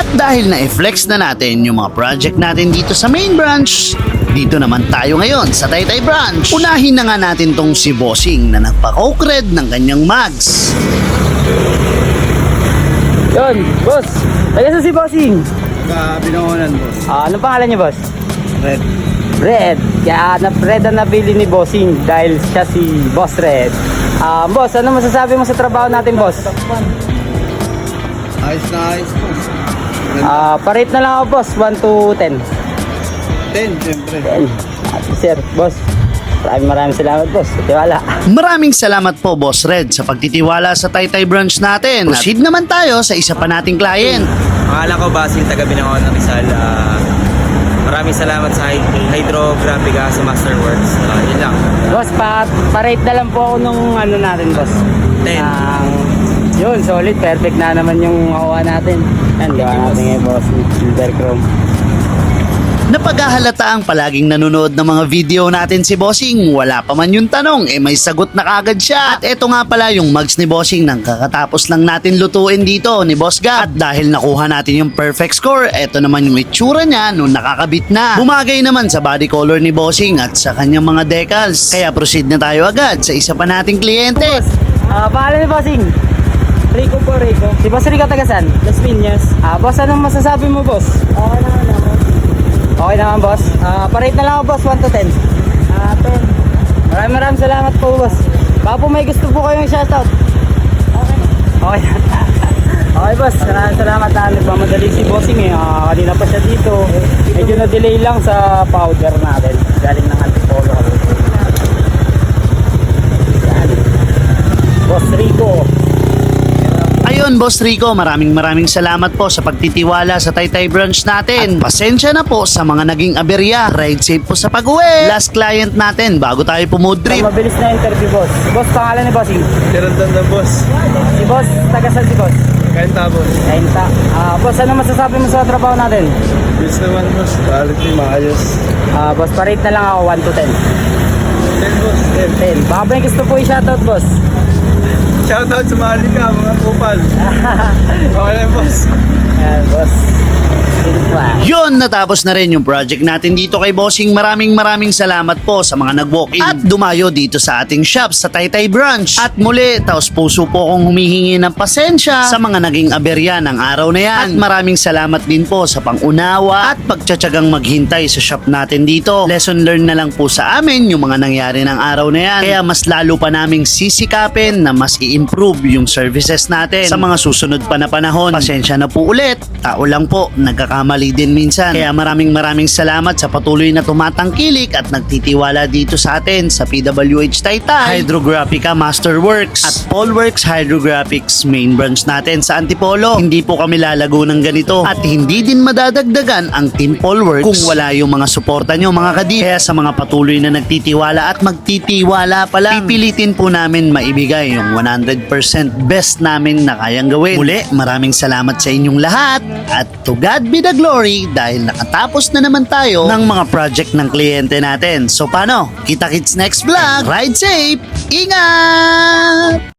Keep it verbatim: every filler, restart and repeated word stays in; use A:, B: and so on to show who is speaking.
A: At dahil na-flex na natin yung mga project natin dito sa main branch, dito naman tayo ngayon sa Taytay branch. Unahin na nga natin tong si Bossing na nagpa-coke red ng kanyang mags.
B: Yun, boss. Taga sa si Bossing.
C: Ka Binangonan, boss.
B: Ah, anong pangalan niya, boss?
C: Red.
B: Red. Kaya na Red ang nabili ni Bossing dahil siya si Boss Red. Ah, boss, ano masasabi mo sa trabaho natin, boss?
C: Ayos na ayos, boss.
B: Ah, parate na lang ako, boss. one to ten.
C: ten, siyempre.
B: ten. Ah, sir, boss. Maraming maraming salamat, boss. Tiwala.
A: Maraming salamat po, Boss Red, sa pagtitiwala sa Taytay branch natin. Proceed naman tayo sa isa pa nating client.
D: Pangalan ko, Basil, taga Binangonan, Rizal. Ah, maraming salamat sa Hyd- Hydrographica sa Masterworks. Uh, yun lang.
B: Boss, pa parate na lang po ako nung ano natin, boss.
D: ten.
B: Ang yun, solid. Perfect na naman yung makuha natin. Yan, gawa natin ngayon, boss. Silver chrome.
A: Napaghahalata ang palaging nanonood ng mga video natin si Bossing. Wala pa man yung tanong, eh may sagot na kagad siya. At eto nga pala yung mugs ni Bossing nang kakatapos lang natin lutuin dito ni Boss Gab. At dahil nakuha natin yung perfect score, eto naman yung itsura niya nung nakakabit na. Bumagay naman sa body color ni Bossing at sa kanyang mga decals. Kaya proceed na tayo agad sa isa pa nating kliyente.
B: Boss, ah, pangalan ni Bossing? Rico po, Rico. Si Boss Rico tagasan? Las Piñas. Ah, boss, anong masasabi mo, boss? Okay naman naman. Okay naman, boss. Ah, parate na lang ako, boss. one to ten. Ah, ten. Maraming maraming salamat po, boss. Baka po may gusto po kayong shoutout. Okay. Okay. Okay, boss. Maraming salamat na nagmamadali si Bossing eh. Ah, kanina pa siya dito. Medyo na-delay lang sa powder natin. Galing ng Antipolo. Yan. Boss Rico.
A: Ayun, Boss Rico, maraming maraming salamat po sa pagtitiwala sa Taytay branch natin. At pasensya na po sa mga naging aberya. Ride safe po sa pag-uwi. Last client natin bago tayo pumudrip.
B: Mabilis na interview, boss. Boss, pangalan ni Bossing?
C: Tirandan na, boss.
B: Si boss, tagasan si boss.
C: Kenta, boss.
B: Kenta. Ah, boss, ano masasabi mo sa trabaho natin?
C: Yes naman, boss. Quality, maayos.
B: Ah, boss, parate na lang ako one to ten.
C: ten, boss. ten.
B: ten. Baka ba yung gusto po i-shoutout, boss?
C: Shoutout sa Malika, mga kupal. Okay lang, boss.
B: Ayan, boss. Silva.
A: Yun, natapos na rin yung project natin dito kay Bossing. Maraming maraming salamat po sa mga nag-walk-in at dumayo dito sa ating shop sa Taytay branch. At muli, taos puso po akong humihingi ng pasensya sa mga naging aberya ng araw na yan. At maraming salamat din po sa pangunawa at pagtsatsagang maghintay sa shop natin dito. Lesson learned na lang po sa amin yung mga nangyari ng araw na yan. Kaya mas lalo pa naming sisikapin na mas i-improve yung services natin sa mga susunod pa na panahon. Pasensya na po ulit. Tao lang po, nagkakamali din minsan. Kaya maraming maraming salamat sa patuloy na tumatangkilik at nagtitiwala dito sa atin sa P W H Taytay, Hydrographica Masterworks at Polworks Hydrographics main branch natin sa Antipolo. Hindi po kami lalago ng ganito at hindi din madadagdagan ang Team Polworks kung wala yung mga suporta nyo, mga kadip. Kaya sa mga patuloy na nagtitiwala at magtitiwala pa lang, pipilitin po namin maibigay yung one hundred percent best namin na kayang gawin. Muli, maraming salamat sa inyong lahat at to God be the glory dahil nakatapos na naman tayo ng mga project ng kliyente natin. So paano? Kita-kits next vlog. Ride safe! Ingat!